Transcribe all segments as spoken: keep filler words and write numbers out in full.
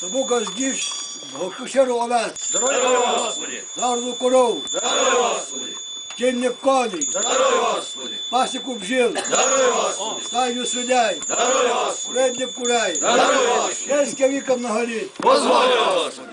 Тому газдівсь, гощеру овець, Здоров'я Господи! зарду коров, Здоров'я Господи! кінних коней, Здоров'я Господи! пасіку бджіл, Здоров'я Господи! стайню свиней, Здоров'я Господи! передніх курей, Здоров'я Господи! щастя віком на літ. Позволь, Господи!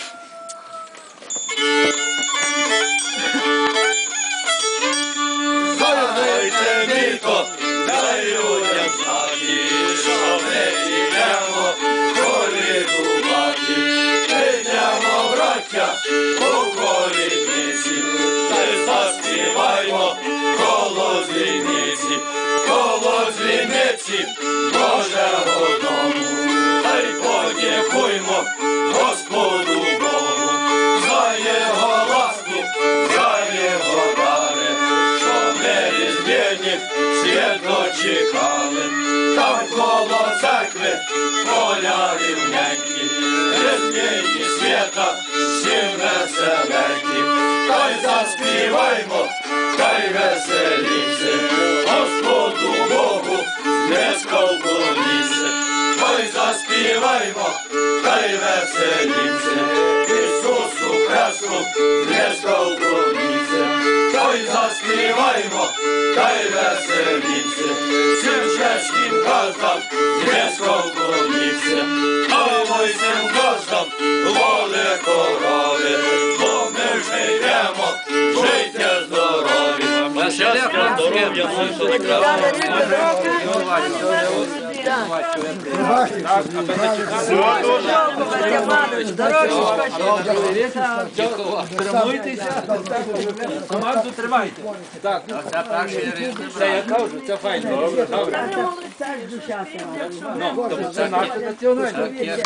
Дайте віко, дай людям знати, що ми йдемо колідувати. Йдемо, браття, у колідниці, та й заспіваймо коло дзвіниці, коло дзвіниці Божого дому. Та й подякуймо Господу Богу за його ласку, за його дари, що ми різдвяні свято чекали. Там коло церкви поля рівненькі, різдвяні свята всім веселенькі. Та й заспіваймо, та й веселіться Господу Богу низько вклоніться. Та й заспіваймо, та й веселіться Ісусу Христу низько вклоніться. Та й заспіваймо, та й веселіться всім чеським газдам низько вклоніться. А ой цим газдам воли корови, бо ми вже йдемо, життя здорові. Щастя, здоров'я, всіх Тримуйтеся, команду тримайте. Так, це перший рік. Це я кажу, це файно. Добре, добре. Ну, це наша національна.